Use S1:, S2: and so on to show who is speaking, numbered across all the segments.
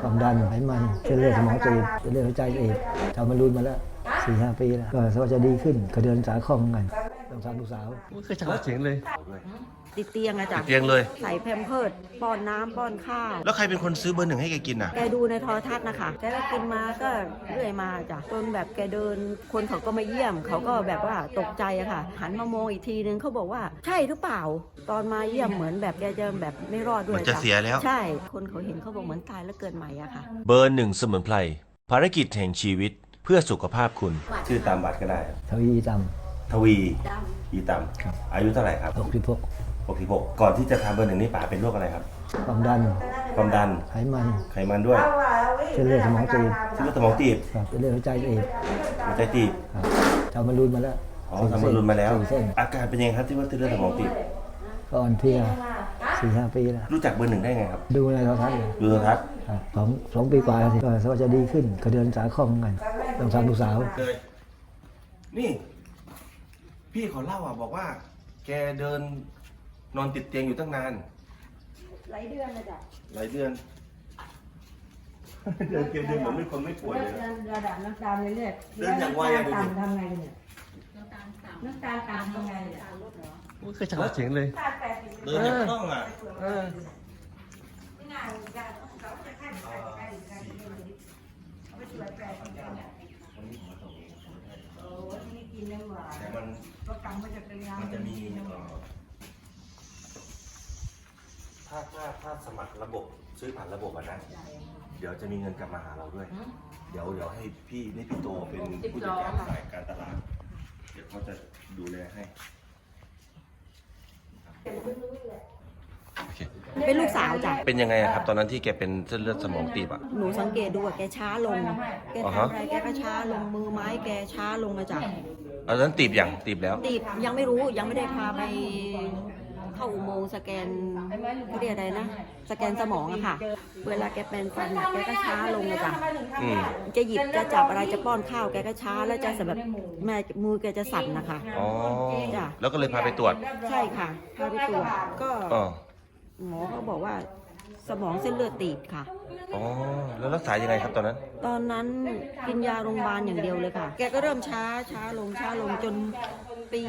S1: ความดันไขมันเส้นเลือดสมองตีบเส้นเลือดหัวใจตีบทำมารุนมาแล้ว4-5 ปีแล้วก็สว่าจะดีขึ้นก็เดินสายคล่องกันต้องทำลูกสาว
S2: ไม่เคยจับเสียงเลย
S3: ติดเตียงอะจ้ะ
S2: ติดเตียงเลย
S3: ใส่แพมเพิร์สป้อนน้ำป้อนข้าว
S2: แล้วใครเป็นคนซื้อเบอร์ 1ให้แกกินอ่ะ
S3: แกดูในโทรทัศน์นะคะแกก็กินมาก็เรื่อยมาจ้ะจนแบบแกเดินคนเขาก็มาเยี่ยมเขาก็แบบว่าตกใจอะค่ะหันมามองอีกทีนึงเขาบอกว่าใช่หรือเปล่าตอนมาเยี่ยมเหมือนแบบแกจะแบบไม่รอดด้วย
S2: จะเสียแล้ว
S3: ใช่คนเขาเห็นเขาบอกเหมือนตายแล้วเกิดใหม่อะค่ะ
S2: เบอร์ 1สมุนไพรภารกิจแห่งชีวิตเพื่อสุขภาพคุณ
S4: ชื่อตามบัตรก็ได้
S1: ทวีต
S4: ทวีอีตามอายุเท่าไหร่ครับ66ก่อนที่จะทำเบอร์ 1นี่ป๋าเป็นโรคอะไรครับ
S1: ความดันไขมัน
S4: ด้วย
S1: เส้นเลือดสมองตีบ
S4: เส้นเลือดสมองตีบ
S1: เส้นเลือดหัวใจตีบทำมารุนมาแล้ว
S4: ทำมารุนมาแล้วอาการเป็นยังไงครับที่ว่าเส้นเลือดสมองตีบ
S1: ก็อ่อนเพลีย4-5 ปีแล้ว
S4: รู้จักเบอร์ 1ได้ไงครับ
S1: ดูในโทรทัศน์
S4: ดูโทรทัศน์
S1: สองปีกว่าแล้วก็สว่าจะดีขึ้นก็เดินสายคล่องกันต้องทำลูกสาว
S4: เลยนี่พี่เขาเล่าบอกว่าแกเดินนอนติดเตียงอยู่ตั้งนาน
S3: หลายเดือนเลยจ้ะ
S4: หลายเดือนเดินเหมือนไม่คนไม่ป่วยเลย
S3: ระดับน้ำตาลเลยเนี่ย
S4: เดินอย่างไวอะดูดิ
S3: ทำไงเนี่ยน้ำตาลต่ำทำไงเนี่ย
S2: ไม่เคยจับเสียงเลย
S4: เดินอย่างคล่องอ่ะแต่มันจะมีถ้าสมัครระบบซื้อผ่านระบบนะเดี๋ยวจะมีเงินกลับมาหาเราด้วยเดี๋ยวให้พี่โตเป็นผู้จัดการฝ่ายการตลาดเดี๋ยวเขาจะดูแลให้
S3: เป็นลูกสาวจ้ะ
S2: เป็นยังไงครับตอนนั้นที่แกเป็นเส้นเลือดสมองตีบอ่ะ
S3: หนูสังเกตดูว่าแกช้าลงแกทำอะไรแกก็ช้าลงมือไม้แกช้าลงมาจ้ะ
S2: ตอนนั้นตีบแล้ว
S3: ตีบยังไม่รู้ยังไม่ได้พาไปเข้าอุโมงค์สแกนเขาเรียกอะไรนะสแกนสมองอะค่ะเวลาแกเป็นฟันแกก็ช้าลงเลยจ้ะจะหยิบจะจับอะไรจะป้อนข้าวแกก็ช้าแล้วจะแบบแม่มือแกจะสั่นนะคะ
S2: อ๋อ
S3: จ้ะ
S2: แล้วก็เลยพาไปตรวจ
S3: ใช่ค่ะพาไปตรวจก็หมอเขาบอกว่าสมองเส้นเลือดตีบค่ะ
S2: อ๋อแล้วรักษายังไงครับตอนนั้น
S3: กินยาโรงพยาบาลอย่างเดียวเลยค่ะแกก็เริ่มช้าลงจนปี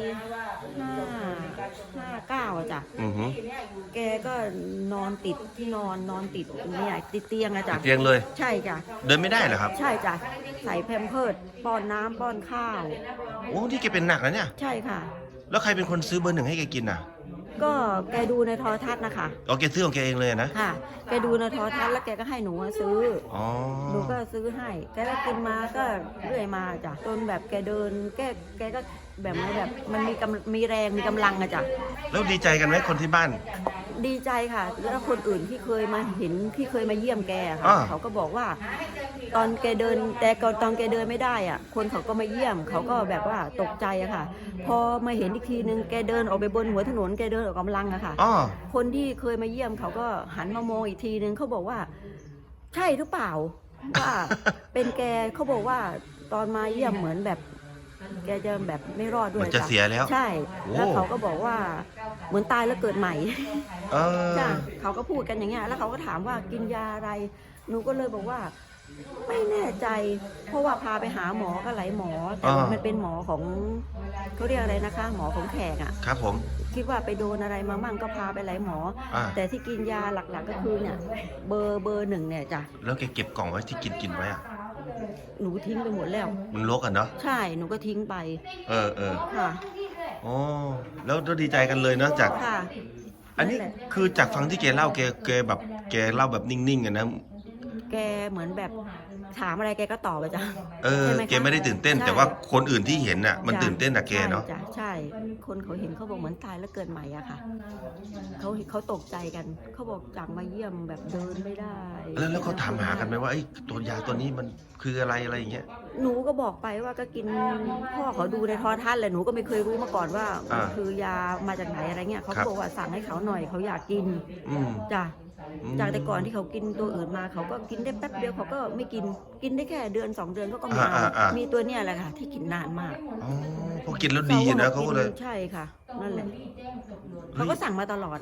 S3: 59อะจ้ะแกก็นอนติดที่นอนติดเนี่ยติดเตียงอะจ้ะ
S2: เตียงเลย
S3: ใช่จ้ะ
S2: เดินไม่ได้เหรอครับ
S3: ใช่จ้ะใส่แพมเพิร์สป้อนน้ำป้อนข้าว
S2: โอ้ที่แกเป็นหนักแล้วเนี่ย
S3: ใช่ค่ะ
S2: แล้วใครเป็นคนซื้อเบอร์ 1ให้แกกินอ่ะ
S3: ก็แกดูในโทรทัศน์นะคะ
S2: แกซื้อของแกเองเลยนะ
S3: ค่ะแกดูในโทรทัศน์แล้วแกก็ให้หนูซื้อหนูก็ซื้อให้แกก็กินมาก็เรื่อยมาจ้ะจนแบบแกเดินแกก็แบบมันมีแรงมีกำลังอะจ้ะ
S2: แล้วดีใจกันไหมคนที่บ้าน
S3: ดีใจค่ะแล้วคนอื่นที่เคยมาเห็นที่เคยมาเยี่ยมแกค่ะเขาก็บอกว่าตอนแกเดินแต่ก่อนตอนแกเดินไม่ได้อ่ะคนเขาก็มาเยี่ยมเขาก็แบบว่าตกใจอะค่ะพอมาเห็นอีกทีนึงแกเดินออกไปบนหัวถนนแกเดินออกกำลังอะค่ะคนที่เคยมาเยี่ยมเขาก็หันมามองอีกทีนึงเขาบอกว่าใช่หรือเปล่าว่าเป็นแกเขาบอกว่าตอนมาเยี่ยมเหมือนแบบแกจะแบบไม่รอดด้วย
S2: จะเสียแล้ว
S3: ใช่แล้วเขาก็บอกว่าเหมือนตายแล้วเกิดใหม่จ้ะเขาก็พูดกันอย่างเงี้ยแล้วเขาก็ถามว่ากินยาอะไรหนูก็เลยบอกว่าไม่แน่ใจเพราะว่าพาไปหาหมอก็หลายหมอแต่มันเป็นหมอของเขาเรียกอะไรนะคะหมอของแขกอ่ะ
S2: ครับผม
S3: คิดว่าไปโดนอะไรมามั่งก็พาไปหลายหมอแต่ที่กินยาหลักๆก็คือเนี่ยเบอร์ 1เนี่ยจ้ะ
S2: แล้วแกเก็บกล่องไว้ที่กินไว้อ่ะ
S3: หนูทิ้งไปหมดแล้ว
S2: มันรกอ่ะเนาะ
S3: ใช่หนูก็ทิ้งไปค่ะ
S2: อ๋อแล้วดีใจกันเลยเนาะจากอันนี้คือจากฟังที่แกเล่าแกแบบแกเล่าแบบนิ่งๆกันนะ
S3: แกเหมือนแบบถามอะไรแกก็ตอบไปจ้ะ
S2: แกไม่ได้ตื่นเต้นแต่ว่าคนอื่นที่เห็นน่ะมันตื่นเต้นแต่แกเนาะ
S3: ใช่คนเขาเห็นเขาบอกเหมือนตายแล้วเกิดใหม่อะค่ะเขาตกใจกันเขาบอกจากมาเยี่ยมแบบเดินไม่ได้
S2: แล้วเขาถามหากันไหมว่าไอ้ตัวยาตัวนี้มันคืออะไรอย่างเงี้ย
S3: หนูก็บอกไปว่าก็กินพ่อเขาดูในโทรทัศน์แหละหนูก็ไม่เคยรู้มาก่อนว่าคือยามาจากไหนอะไรเงี้ยเขาบอกว่าสั่งให้เขาหน่อยเขาอยากกินจ้ะจากแต่ก่อนที่เขากินตัวอื่นมาเขาก็กินได้แป๊บเดียวเขาก็ไม่กินได้แค่เดือน2 เดือนก็มีตัวเนี้ยแหละค่ะที่กินนานมาก
S2: พอกินแล้วดีนะเขาเลย
S3: ใช่ค่ะนั่นแหละเขาก็สั่งมาตลอดอะค่ะ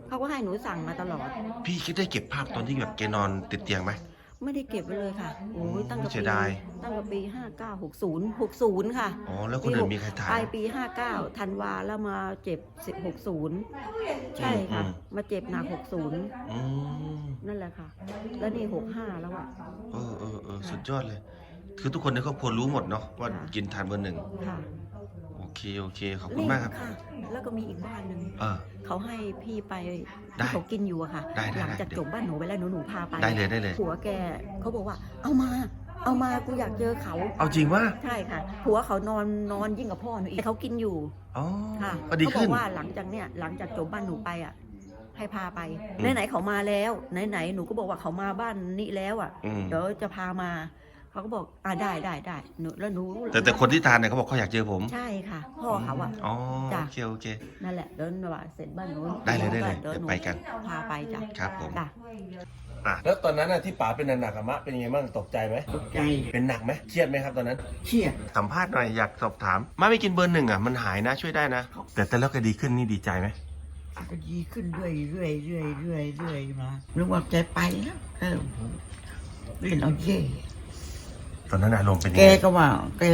S3: เขาก็ให้หนูสั่งมาตลอด
S2: พี่คิดได้เก็บภาพตอนที่แบบแกนอนติดเตียงไหม
S3: ไม่ได้เก็บไว้เลยค่ะโอ้ยตั้งแต่
S2: เสี
S3: ปี
S2: ยดาย
S3: ปี59 60ค่ะ
S2: อ๋อแล้วคนอื่นมีใครถ่าย
S3: ปลายปี59ธันวาแล้วมาเจ็บ60ใช่ค่ะ มาเจ็บหนัก60
S2: อืม
S3: นั่นแหละค่ะ แล้วนี่65แล้วอะ
S2: สุดยอดเลย คือทุกคนในครอบครัวรู้หมดเนาะว่ากินทานเบอร์หนึ่ง
S3: ค่ะ
S2: โอเคขอบคุณมากครับ
S3: ค่ะ แล้วก็มีอีกบ้านหนึ่ง
S2: เออ
S3: เขาให้พี่ไป
S2: ได้
S3: ที่เขากินอยู่อะค่ะ
S2: ได้
S3: หลังจาก
S2: เดี๋ยว
S3: จบบ้านหนูไปแล้วหนูพาไป
S2: ได้เลย
S3: ผัวแกเขาบอกว่า เอามากูอยากเจอเขา
S2: เอาจริงว่า
S3: ใช่ค่ะ ผัวเขานอนยิ่งกับพ่อหนูอีกเขากินอยู่
S2: อ๋อ
S3: ค่ะ
S2: ก็ดี
S3: เขาบ
S2: ขึ้
S3: อน กว่าหลังจากจบบ้านหนูไปอ่ะ ให้พาไป
S2: อืม
S3: ไหนๆเขามาแล้วไหนๆหนูก็บอกว่าเขามาบ้านนี้แล้วอ่ะ
S2: อืม
S3: เดี๋ยวจะพามาเขาก็บอกได้หนูแล้วหนู
S2: แต่คนที่ทานเนี่ยเขาบอกเขาอยากเจอผม
S3: ใช่ค่ะ พ่อเขาอ่ะ
S2: อ๋อ
S3: จ้ะ
S2: โอเค
S3: นั่นแหละเดินว่าเสร็จบ้านหนู
S2: ได้เลย
S3: เดี๋ยว
S2: เดี๋ยว
S3: หนู
S2: ไปกัน
S3: พาไปจ้ะ
S2: ครับผม
S3: จ้ะ
S2: แล้วตอนนั้นที่ป๋าเป็นหนักๆอะมะเป็นยังไงบ้างตกใจไหม
S5: ตกใจ
S2: เป็นหนักไหมเครียดไหมครับตอนนั้น
S5: เครียด
S2: สัมภาษณ์หน่อยอยากสอบถามมาไม่กินเบอร์หนึ่งอ่ะมันหายนะช่วยได้นะ แต่แล้วก็ดีขึ้นนี่ดีใจไหม
S5: ก็ดีขึ้นเรื่อยมานึกว่าแกไปแล้วเล่นเอาเย่
S2: ตอนนั้นอารมณ์เป็นยัง
S5: แก
S2: ไง
S5: ก็ว่า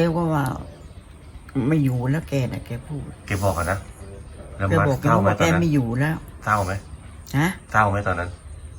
S5: ไม่อยู่แล้วแกน่ะแกพูด
S2: แกบอกกันนะแล้ว
S5: แก
S2: มา
S5: บอก
S2: เศร้าไหม
S5: ว่า
S2: ต
S5: แก
S2: อนนั้น
S5: ไม่อยู่แล้ว
S2: เศร้าไหม
S5: ฮะ
S2: เศร้าไหมตอนนั้น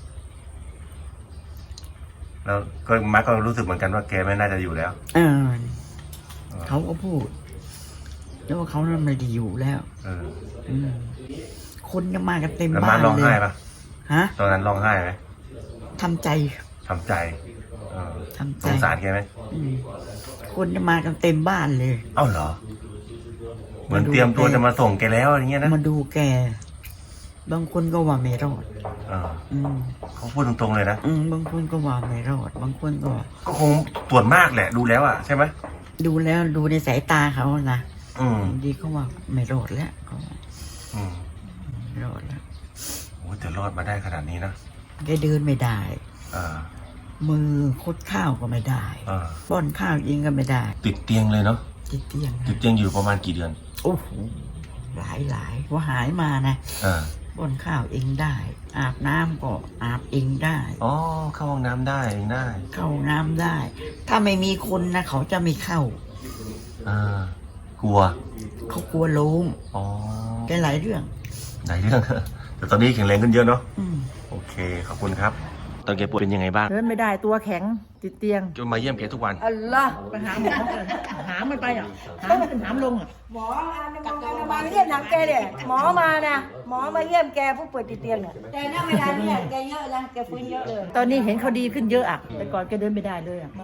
S2: แล้วก็มาก็รู้สึกเหมือนกันว่าแกไม่น่าจะอยู่แล้ว
S5: เขาก็พูดแล้วว่าเขานั้นไม่ได้อยู่แล้ว
S2: เออ
S5: อืมคนจะมากันเต็ม
S2: แล้ว
S5: บ้า
S2: มาน ร้อง
S5: เล
S2: ไห้
S5: ย
S2: ปะ
S5: ฮะ
S2: ตอนนั้นร้องไห้ไหม
S5: ทำใจ
S2: ทำใจเออ
S5: ทำใจ
S2: สงสารแกไหม
S5: อืมคนจะมากันเต็มบ้านเลย
S2: เอ้าเหรอ เหมือนเตรียมตัวจะมาส่งแกแล้วอย่างเงี้ยนะ
S5: มาดูแก บางคนก็ว่าไม่รอด
S2: เออ
S5: อืม
S2: เขาพูดตรงๆเลยนะ
S5: บางคนก็ว่าไม่รอด บางคนก็
S2: ก็คงตรวจมากแหละดูแล้วอ่ะใช่ไหม
S5: ดูแล้วดูในสายตาเขานะ
S2: อืม
S5: ดีเขาว่าไม่รอดแล้วเขาว่า
S2: อืม
S5: ไม่รอดแล้ว
S2: โอ้แต่รอดมาได้ขนาดนี้นะ
S5: แกเดินไม่ได้
S2: เออ
S5: มือคดข้าวก็ไม่ได้
S2: เออ
S5: ป้อนข้าวเองก็ไม่ได้
S2: ติดเตียงเลยเนาะ
S5: ติดเตียง
S2: ติดเตียงอยู่ประมาณกี่เดือน
S5: โอ้โหหลายว่าหายมานะ
S2: เออ
S5: ป้อนข้าวเองได้ อาบน้ำก็อาบเองได้
S2: อ๋อเข้าห้องน้ำได้เองได้
S5: เข้าน้ำได้ ถ้าไม่มีคนนะเขาจะไม่เข้า
S2: อ่ากลัว
S5: เขากลัวล้ม
S2: อ๋อ
S5: แกหลายเรื่อง
S2: ไหนเรื่อง แต่ตอนนี้แข็งแรงขึ้นเยอะเนาะ
S5: อืม
S2: โอเคขอบคุณครับ ตอนแกป่วยเป็นยังไงบ้าง
S6: เดินไม่ได้ตัวแข็งติดเตียง
S2: จะมาเยี่ยมแกทุกวัน
S6: อัลลอฮ์ไปหาหมอเลยหามมันไปอ่ะหามขึ้นหามลงอ่ะ
S7: หมอมาเยี่ยมหนังแกเนี่ยหมอมานะหมอมาเยี่ยมแกผู้ป่วยติดเตียงเนี่ยแต่ณเวลาเนี่ยแกเยอะแล้วแกฟื้นเยอะเลย
S6: ตอนนี้เห็นเขาดีขึ้นเยอะอ่ะแต่ก่อนแกเดินไม่ได้เลยอ่ะ